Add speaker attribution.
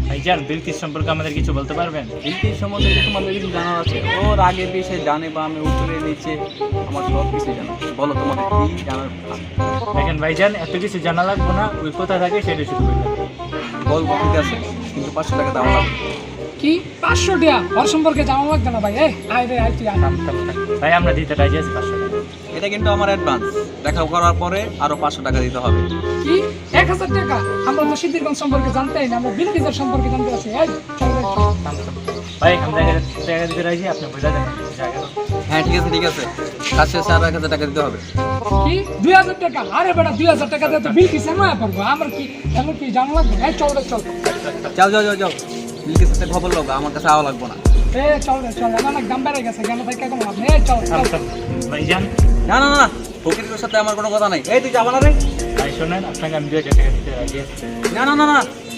Speaker 1: ভাইজান বিলকিস সম্পর্কে আমাদের কিছু বলতে পারবেন?
Speaker 2: বিলকিস সম্বন্ধে কি তোমাদের কিছু জানার আছে? ওর আগে পিছে ডানে বামে উপরে নিচে আমার সব কিছু জানা। বলো তোমাদের কি জানার আছে?
Speaker 1: দেখেন ভাইজান, এত কিছু জানা লাগবো না, ওই কোথায় থাকে সেটা শুধু বললাম।
Speaker 2: বলবো ঠিক আছে, কিন্তু 500 টাকা দেওয়া লাগবে।
Speaker 3: কি 500 টাকা? ওর সম্পর্কে জানা লাগবে না ভাই। এই আয় রে আয় তুই আয়।
Speaker 1: ভাই আমরা দিতে রাজি আছি 500 টাকা।
Speaker 2: এটা কিন্তু আমার অ্যাডভান্স, দেখা করার পরে আরো 500 টাকা দিতে হবে।
Speaker 3: কি 1000 টাকা? আমরা তো সিদ্ধিরগঞ্জ সম্পর্কে জানতেই না, আমরা বিলকিসের সম্পর্কে জানতে আছি। এই চল রে, চল।
Speaker 1: ভাই আমরা টাকা দিতে রাজি, আপনি বোঝা দেন জায়গা।
Speaker 2: হ্যাঁ ঠিক আছে ঠিক আছে, কাজ শেষে আরো 1000 টাকা দিতে হবে।
Speaker 3: কি 2000 টাকা? আরে বেটা 2000 টাকা দিয়ে তো বিলকিসের নয়া পড়বো। আমার কি এমন কি জানা লাগবে? এই চল রে চল।
Speaker 2: যাও যাও যাও যাও, বিলকিস সাথে খবর লোক, আমার কাছে আওয়া লাগবে না।
Speaker 3: এ চল রে চল, আমার অনেক দাম বেড়ে গেছে, কেন থেকে কোনো লাভ নেই। এই চল চল।
Speaker 1: ভাইজান
Speaker 2: না না না না, ফকিরের সাথে আমার কোনো কথা নাই। এই তুই যাবা না রে?
Speaker 1: ভাই শোনেন, আপনাকে আমি 2000 টাকা দিতে রাজি আছি।
Speaker 2: না না না না,